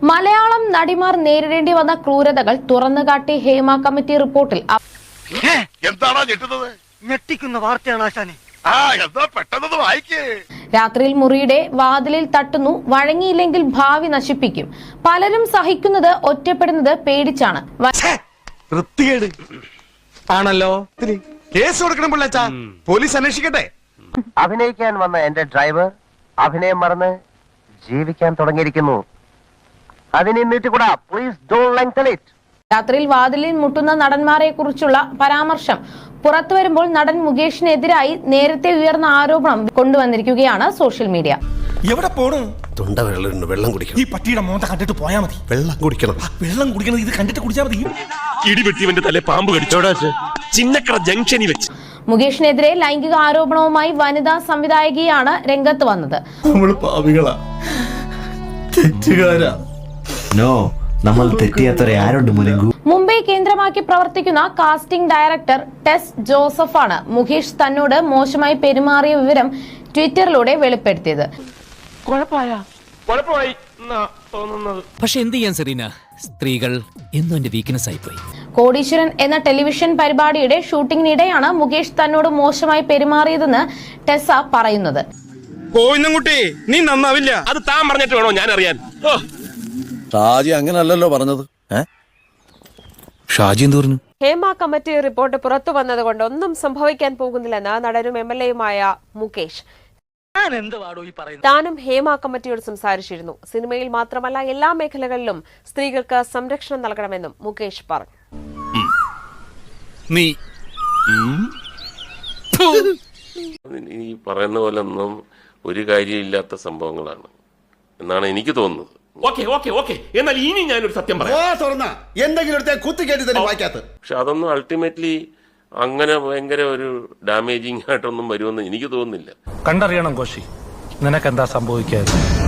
മലയാളം നടിമാർ നേരിടേണ്ടി വന്ന ക്രൂരതകൾ തുറന്നുകാട്ടി ഹേമ കമ്മിറ്റി റിപ്പോർട്ടിൽ എന്താണോ ഞെട്ടുന്നത്? ഞെട്ടിക്കുന്ന വാർത്തയാണ് ആശാനെ. പെട്ടെന്ന് വായിക്കേ. രാത്രിയിൽ മുറിയുടെ വാതിലിൽ തട്ടുന്നു, വഴങ്ങിയില്ലെങ്കിൽ ഭാവി നശിപ്പിക്കും. പലരും സഹിക്കുന്നത് ഒറ്റപ്പെടുന്നത് പേടിച്ചാണ്. ആണല്ലോ, കേസ് കൊടുക്കണം പിള്ളേച്ചാ, പോലീസ് അന്വേഷിക്കട്ടെ. അഭിനയിക്കാൻ വന്ന എന്റെ ഡ്രൈവർ അഭിനയം മറന്ന് ജീവിക്കാൻ തുടങ്ങിയിരിക്കുന്നു. അതിനെന്നിട്ട് പ്ലീസ് ഡോണ്ട് ലെങ്തൻ ഇറ്റ്. രാത്രിയിൽ വാതിലിൽ മുട്ടുന്ന നടന്മാരെ കുറിച്ചുള്ള പരാമർശം പുറത്തു വരുമ്പോൾ നടൻ മുകേഷിനെതിരായി നേരത്തെ ഉയർന്ന ആരോപണം കൊണ്ടുവന്നിരിക്കുകയാണ് സോഷ്യൽ മീഡിയ. എവിടെ പോണു? തൊണ്ട വെള്ളം കുടിക്കണം. ഈ പട്ടിയുടെ മോന്ത കണ്ടിട്ട് പോയാ മതി. വെള്ളം കുടിക്കണം. വെള്ളം കുടിക്കണം, ഇത് കണ്ടിട്ട് കുടിച്ചാൽ മതി. ഇടിപെട്ടിവന്റെ തലേ പാമ്പ് കടിച്ചോടാ ചിന്നക്കട ജംഗ്ഷനിൽ വെച്ച്. മുകേഷിനെതിരെ ലൈംഗിക ആരോപണവുമായി വനിതാ സംവിധായകയാണ് രംഗത്ത് വന്നത്. നമ്മള് പാപികളാ, തെറ്റുകാരാ. നോ, നമ്മൾ തെറ്റിയാത്തവരെ ആരുണ്ട് മുലങ്കു. മുംബൈ കേന്ദ്രമാക്കി പ്രവർത്തിക്കുന്ന കാസ്റ്റിംഗ് ഡയറക്ടർ ടെസ് ജോസഫാണ് മുകേഷ് തന്നോട് മോശമായി പെരുമാറിയ വിവരം ട്വിറ്ററിലൂടെ വെളിപ്പെടുത്തിയത്. പക്ഷെ എന്ത് ചെയ്യാൻ സെറീന, സ്ത്രീകൾ എന്നും എന്റെ വീക്ക്നെസ് ആയിപ്പോയി. കോടീശ്വരൻ എന്ന ടെലിവിഷൻ പരിപാടിയുടെ ഷൂട്ടിംഗിനിടെയാണ് മുകേഷ് തന്നോട് മോശമായി പെരുമാറിയതെന്ന് ടെസ പറയുന്നത്. കോയിന്നുംകുട്ടി, നീ നന്നാവില്ല. അത് താൻ പറഞ്ഞിട്ട് വേണോ ഞാൻ അറിയാൻ? ഷാജി അങ്ങനല്ലല്ലോ പറഞ്ഞത്. ഷാജി എന്ത് പറഞ്ഞു? ഹേമ കമ്മിറ്റി റിപ്പോർട്ട് പുറത്തു വന്നതുകൊണ്ട് ഒന്നും സംഭവിക്കാൻ പോകുന്നില്ലെന്ന് നടനും MLA-യുമായ മുകേഷ്. താനും ഹേമ കമ്മിറ്റിയോട് സംസാരിച്ചിരുന്നു. സിനിമയിൽ മാത്രമല്ല എല്ലാ മേഖലകളിലും സ്ത്രീകൾക്ക് സംരക്ഷണം നൽകണമെന്നും മുകേഷ് പറഞ്ഞു. ഈ പറയുന്ന പോലെ ഒന്നും ഒരു കാര്യമില്ലാത്ത സംഭവങ്ങളാണ് എന്നാണ് എനിക്ക് തോന്നുന്നത്. എന്നാൽ ഇനി ഞാനൊരു സത്യം പറയാം. പക്ഷെ അതൊന്നും അൾട്ടിമേറ്റ്ലി അങ്ങനെ ഭയങ്കര ഒരു ഡാമേജിങ് ആയിട്ടൊന്നും വരുമെന്ന് എനിക്ക് തോന്നുന്നില്ല. കണ്ടറിയണം കോശി, നിനക്കെന്താ സംഭവിക്കാതെ.